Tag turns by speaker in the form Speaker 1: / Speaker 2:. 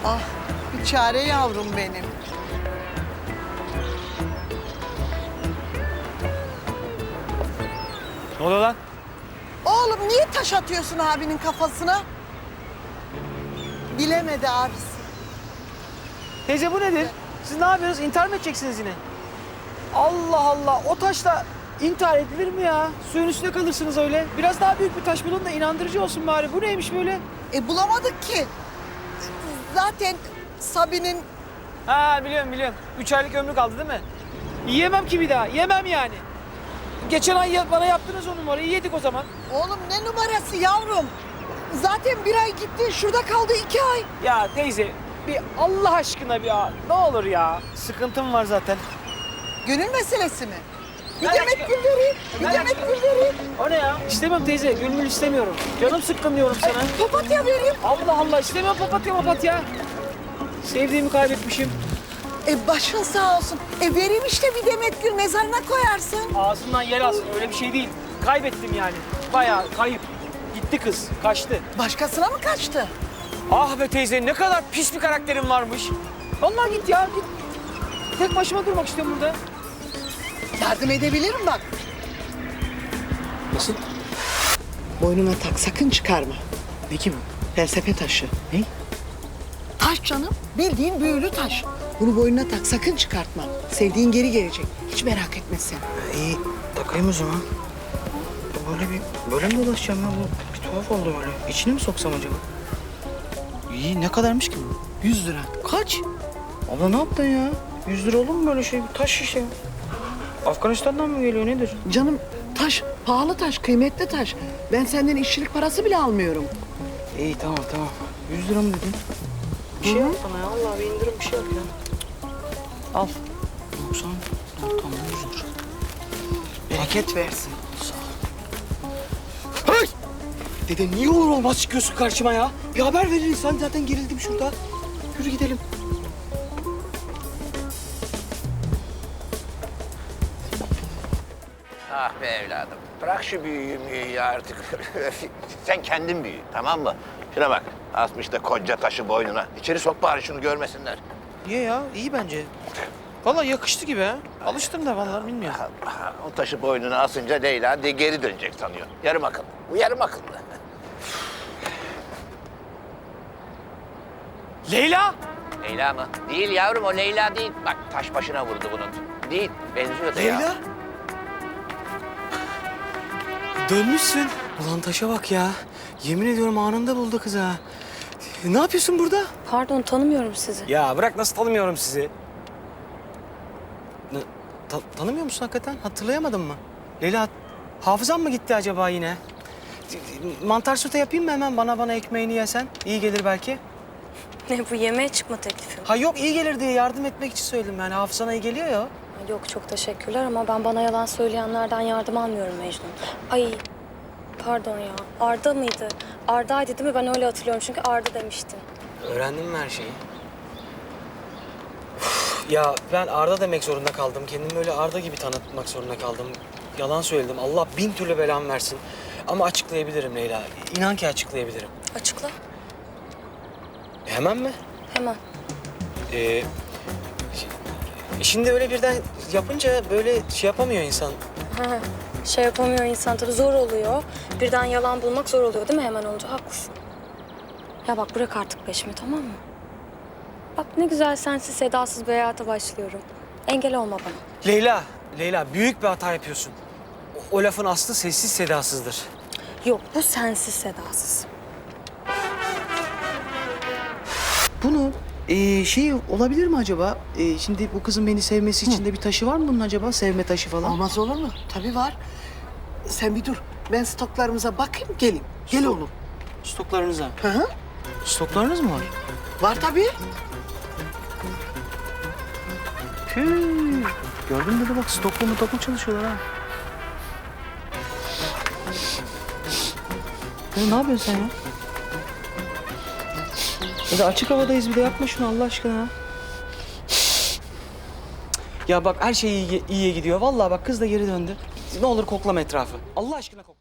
Speaker 1: Ah, bir çare yavrum benim.
Speaker 2: Ne oluyor lan?
Speaker 1: Oğlum niye taş atıyorsun abinin kafasına? Bilemedi abisi.
Speaker 2: Teyze bu nedir? Siz ne yapıyorsunuz? İntihar mı edeceksiniz yine? Allah Allah, o taşla intihar edilir mi ya? Suyun üstüne kalırsınız öyle. Biraz daha büyük bir taş bulun da inandırıcı olsun bari. Bu neymiş böyle?
Speaker 1: Bulamadık ki. Zaten Sabi'nin...
Speaker 2: Ha biliyorum. 3 aylık ömrü kaldı değil mi? Yiyemem ki bir daha, yemem yani. Geçen ay bana yaptınız o numarayı, yedik o zaman.
Speaker 1: Oğlum ne numarası yavrum? Zaten bir ay gitti, şurada kaldı 2 ay.
Speaker 2: Ya teyze, bir Allah aşkına ne olur ya. Sıkıntım var zaten.
Speaker 1: Gönül meselesi mi? Bir
Speaker 2: Ben
Speaker 1: demet
Speaker 2: aşkım.
Speaker 1: gül vereyim, bir
Speaker 2: Ben
Speaker 1: demet
Speaker 2: aşkım.
Speaker 1: gül vereyim.
Speaker 2: O ne ya? İstemem teyze, gülmül istemiyorum. Canım sıkkın diyorum sana.
Speaker 1: Papatya vereyim.
Speaker 2: Allah Allah, istemem papatya. Sevdiğimi kaybetmişim.
Speaker 1: Başın sağ olsun. Vereyim işte bir demet gül, mezarına koyarsın.
Speaker 2: Ağzından yer alsın, öyle bir şey değil. Kaybettim yani. Bayağı kayıp. Gitti kız, kaçtı.
Speaker 1: Başkasına mı kaçtı?
Speaker 2: Ah be teyze, ne kadar pis bir karakterin varmış. Vallahi git ya, git. Tek başıma durmak istiyorum burada.
Speaker 1: Yardım edebilirim bak.
Speaker 2: Nasıl?
Speaker 1: Boynuna tak, sakın çıkarma.
Speaker 2: Ne ki bu?
Speaker 1: Felsefe taşı.
Speaker 2: Ne?
Speaker 1: Taş canım, bildiğin büyülü taş. Bunu boynuna tak, sakın çıkartma. Sevdiğin geri gelecek. Hiç merak etme sen.
Speaker 3: İyi, takayım o zaman. Böyle mi dolaşacağım ya? Bu bir tuhaf oldu böyle. İçine mi soksam acaba? İyi, ne kadarmış ki bu?
Speaker 1: 100 lira.
Speaker 3: Kaç? Abla ne yaptın ya? 100 lira olur mu böyle şey? Taş şişe. Afganistan'dan mı geliyor nedir?
Speaker 1: Canım taş, pahalı taş, kıymetli taş. Ben senden işçilik parası bile almıyorum.
Speaker 3: İyi tamam. 100 lira mı dedin? Bir şey yap bana ya. Allah bir indirim bir şey yap ya. Al. 90. Tamam 100 lira.
Speaker 1: Bereket versin.
Speaker 2: Hey! Dede niye olur olmaz çıkıyorsun karşıma ya? Bir haber verir insan, zaten gerildim şurada. Yürü gidelim.
Speaker 4: Ah be evladım. Bırak şu büyüyü artık. Sen kendin büyü, tamam mı? Şuna bak. Asmış da koca taşı boynuna. İçeri sok bari şunu görmesinler.
Speaker 3: Niye ya? İyi bence. Vallahi yakıştı gibi ha. Alıştım da vallahi bilmiyorum.
Speaker 4: O taşı boynuna asınca Leyla de geri dönecek sanıyor. Yarım akıllı. Bu yarım akıllı.
Speaker 2: Leyla!
Speaker 4: Leyla mı? Değil yavrum, o Leyla değil. Bak taş başına vurdu bunun. Değil, benziyor da ya.
Speaker 2: Leyla! Dönmüşsün. Ulan taşa bak ya. Yemin ediyorum anında buldu kız ha. Ne yapıyorsun burada?
Speaker 5: Pardon, tanımıyorum sizi.
Speaker 2: Ya bırak, nasıl tanımıyorum sizi? Tanımıyor musun hakikaten? Hatırlayamadın mı? Leyla, hafızan mı gitti acaba yine? Mantar sote yapayım mı hemen? Bana ekmeğini yesen. İyi gelir belki.
Speaker 5: Ne bu, yemeğe çıkma teklifi mi?
Speaker 2: Ha yok, iyi gelir diye yardım etmek için söyledim yani. Hafızana iyi geliyor ya.
Speaker 5: Yok, çok teşekkürler ama ben bana yalan söyleyenlerden yardım almıyorum Mecnun. Ay, pardon ya. Arda mıydı? Arda'ydı değil mi? Ben öyle hatırlıyorum çünkü Arda demiştin.
Speaker 2: Öğrendin mi her şeyi? Ya ben Arda demek zorunda kaldım. Kendimi öyle Arda gibi tanıtmak zorunda kaldım. Yalan söyledim. Allah bin türlü belamı versin. Ama açıklayabilirim Leyla. İnan ki açıklayabilirim.
Speaker 5: Açıkla.
Speaker 2: Hemen mi?
Speaker 5: Hemen.
Speaker 2: Ee, şimdi öyle birden yapınca böyle şey yapamıyor insan.
Speaker 5: Ha, şey yapamıyor insan tabii, zor oluyor. Birden yalan bulmak zor oluyor değil mi hemen olunca? Haklısın. Ya bak, bırak artık peşimi, tamam mı? Bak ne güzel sensiz sedasız bir hayata başlıyorum. Engel olma bana.
Speaker 2: Leyla büyük bir hata yapıyorsun. O lafın aslı sessiz sedasızdır.
Speaker 5: Yok, bu sensiz sedasız.
Speaker 3: Bunu şey olabilir mi acaba? Şimdi bu kızın beni sevmesi için de bir taşı var mı bunun acaba? Sevme taşı falan.
Speaker 1: Olmaz olur mu? Tabii var. Sen bir dur. Ben stoklarımıza bakayım, gelin. Gel oğlum.
Speaker 3: Stoklarınıza.
Speaker 1: Hı.
Speaker 3: Stoklarınız mı var?
Speaker 1: Var tabii.
Speaker 3: Tüh. Gördün mü bak, stoklu çalışıyorlar ha. Ya ne yapıyorsun sen ya? Ya da açık havadayız, bir de yapma şunu Allah aşkına.
Speaker 2: Ya bak, her şey iyiye gidiyor. Vallahi bak, kız da geri döndü. Ne olur koklama etrafı. Allah aşkına kokla.